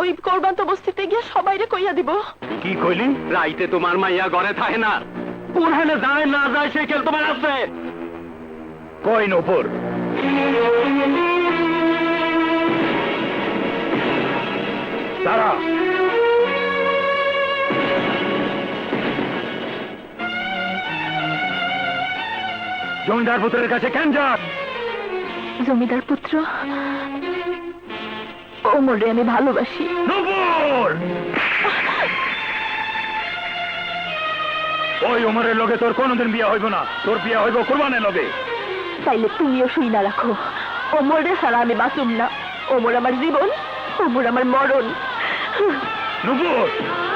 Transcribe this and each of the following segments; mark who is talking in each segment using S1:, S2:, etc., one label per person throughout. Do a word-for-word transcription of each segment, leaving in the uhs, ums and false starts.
S1: ওই কোরবান্ত বস্তিতে গিয়ে সবাইরে কইয়া দিব।
S2: কি কইলি? রাইতে তোমার মাইয়া ঘরে থাকে না, ওখানে যায় না যায় সে খেল তোমার আছে। কই নূপুর? তারা জমিদার পুত্রের কাছে কেন যাস?
S1: জমিদার পুত্র ওমরে আমি ভালোবাসি।
S2: নূপুর! ওই ওমরের লগে তোর কোনদিন বিয়ে হইব না, তোর বিয়ে হইব কুরবানের লগে।
S1: তাইলে তুমিও শুই না রাখো, ওমরে ছাড়া আমি বাঁচুম না। ওমর আমার জীবন, ওমর আমার মরণ।
S2: নূপুর!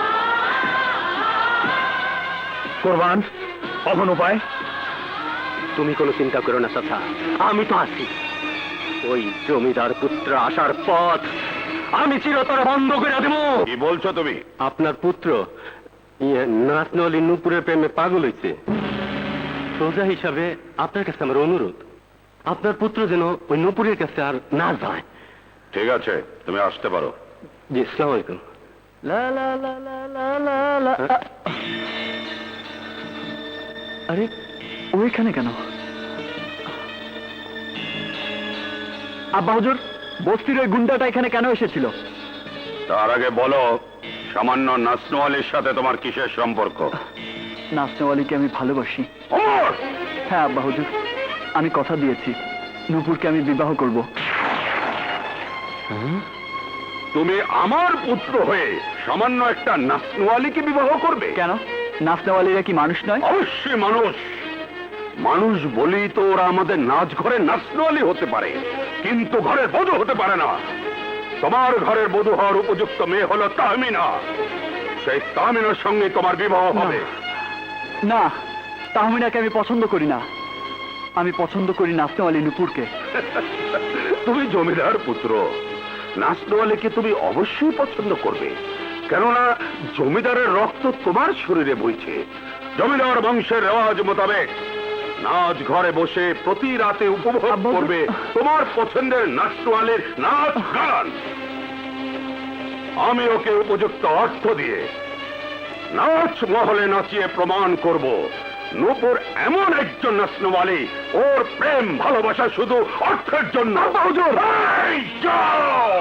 S2: কুরবান, অমন উপায়? তুমি কোনো চিন্তা করো না চাচা, আমি তো আছি। ওই জমিদার পুত্র আসার পথ আমি চিরতরে বন্ধ করে দেব।
S3: কি বলছো তুমি?
S2: আপনার পুত্র নাচনলি নূপুরের প্রেমে পাগল হয়েছে। সোজা হিসাবে আপনার কাছে আমার অনুরোধ, আপনার পুত্র যেন ওই নূপুরের কাছে আর না যায়।
S3: ঠিক আছে, তুমি আসতে পারো।
S2: জি, আসসালামু আলাইকুম। লা লা লা লা লা লা লা। আরে ওইখানে কেন? আব্বা হুজুর, বস্তির ওই গুন্ডাটা এখানে কেন এসেছিল?
S3: তার আগে বলো, সামান্য নাসনোয়ালের সাথে তোমার কিসের সম্পর্ক?
S4: নাসনেওয়ালিকে আমি ভালোবাসি।
S3: ওমর!
S4: হ্যাঁ আব্বা হুজুর, আমি কথা দিয়েছি নূপুরকে আমি বিবাহ করব।
S3: তুমি আমার পুত্র হয়ে সামান্য একটা নাসনোয়ালিকে বিবাহ করবে?
S4: কেন, নাসনেওয়ালিরা কি মানুষ নয়?
S3: অবশ্যই মানুষ। মানুষ বলি তো ওরা আমাদের নাচ ঘরে নাসনোয়ালি হতে পারে, কিন্তু ঘরের বধূ হতে পারে না। তোমার ঘরের বধূ হওয়ার উপযুক্ত মেয়ে হলো তাহমিনা। সেই তাহমিনার সঙ্গে তোমার বিবাহ হবে।
S4: না, তাহমিনাকে আমি পছন্দ করি না। আমি পছন্দ করি নাসনেওয়ালি নূপুরকে।
S3: তুমি জমিদার পুত্র, নাসনোয়ালিকে তুমি অবশ্যই পছন্দ করবে, কেননা জমিদারের রক্ত তোমার শরীরে বইছে। জমিদার বংশের রেওয়াজ মোতাবেক নাচ ঘরে বসে প্রতি রাতে উপভোগ করবে তোমার পছন্দের নাচওয়ালের নাচ গান। আমি ওকে উপযুক্ত অর্থ দিয়ে নাচ মহলে নাচিয়ে প্রমাণ করব নূপুর এমন একজন নাচনওয়ালি, ওর প্রেম ভালোবাসা শুধু অর্থের জন্য। এই যাও!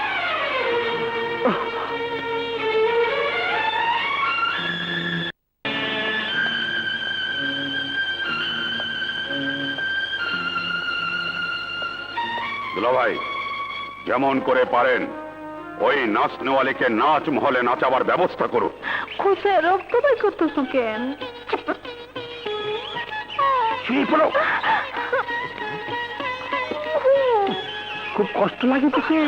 S3: দুলাভাই, যেমন করে পারেন ওই নাচনেওয়ালিকে নাচ মহলে নাচাবার ব্যবস্থা করুন।
S1: খুশে রক্ত বাই করতেছো কেন?
S2: খুব কষ্ট লাগে তোকে?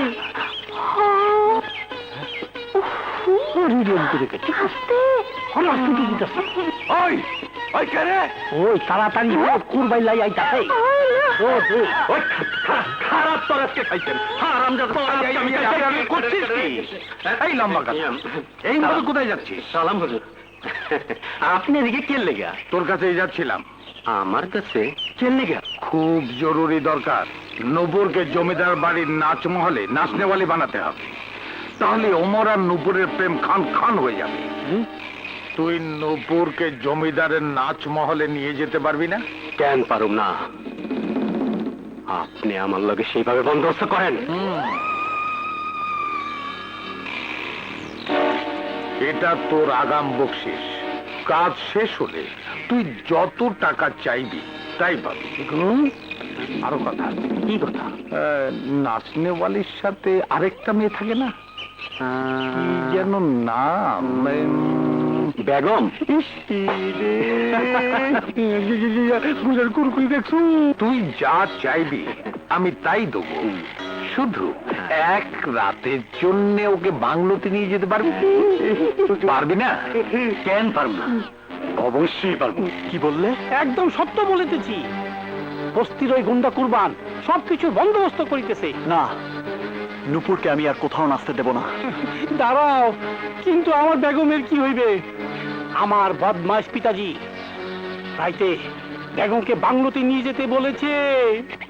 S2: ওই ওই কে রে? ওই তাড়াতাড়ি কুরবাই লাই আইতাছে। ওই খারাপ তোর আজকে খাইছেন। হারামজাদা তোর আজকে আমি খাইছি। আমি করছিস কি? এই লম্বা কথা, এই মতো কোথায় যাচ্ছিস? সালাম হুজুর। আপনি এদিকে কে লেগা?
S3: তোর কাছেই যাচ্ছিলাম।
S2: আমার কাছে কে লেগা?
S3: খুব জরুরি দরকার। নূপুরকে জমিদার বাড়ির নাচ মহলে নাচনেওয়ালি বানাতে হবে, তাহলে ওমর আর নূপুরের প্রেম খান খান হয়ে যাবে। তুই নূপুরকে জমিদারের নাচ মহলে নিয়ে যেতে পারবি না?
S2: কেন পারুম না? আপনি আমার লগে সেইভাবে বন্দোবস্ত করেন।
S3: এটা তোর আগাম বকশিস। কাজ শেষ হলে তুই যত টাকা চাইবি তাই পাবি। আরো কথা।
S2: কি কথা?
S3: নাচনেওয়ালির সাথে আরেকটা মেয়ে থাকে না, কি যেন নাম?
S2: বেগম।
S3: তুই যা চাইবি আমি তাই দেবো, শুধু এক রাতের জন্য ওকে বাংলোতে নিয়ে যেতে পারবি? পারবি না?
S2: কেন পারব না? অবশ্যই পারবো। কি বললে?
S5: একদম সত্য বলিতেছি। বস্তির ওই গুন্ডা কুরবান সবকিছু বন্দোবস্ত করিতেছে।
S4: না, নূপুরকে আমি আর কোথাও নাচতে দেব না।
S5: দাঁড়াও, কিন্তু আমার বেগমের কি হইবে? আমার বদমাশ পিতাজি রাইতে বেগমকে বাংলোতে নিয়ে যেতে বলেছে।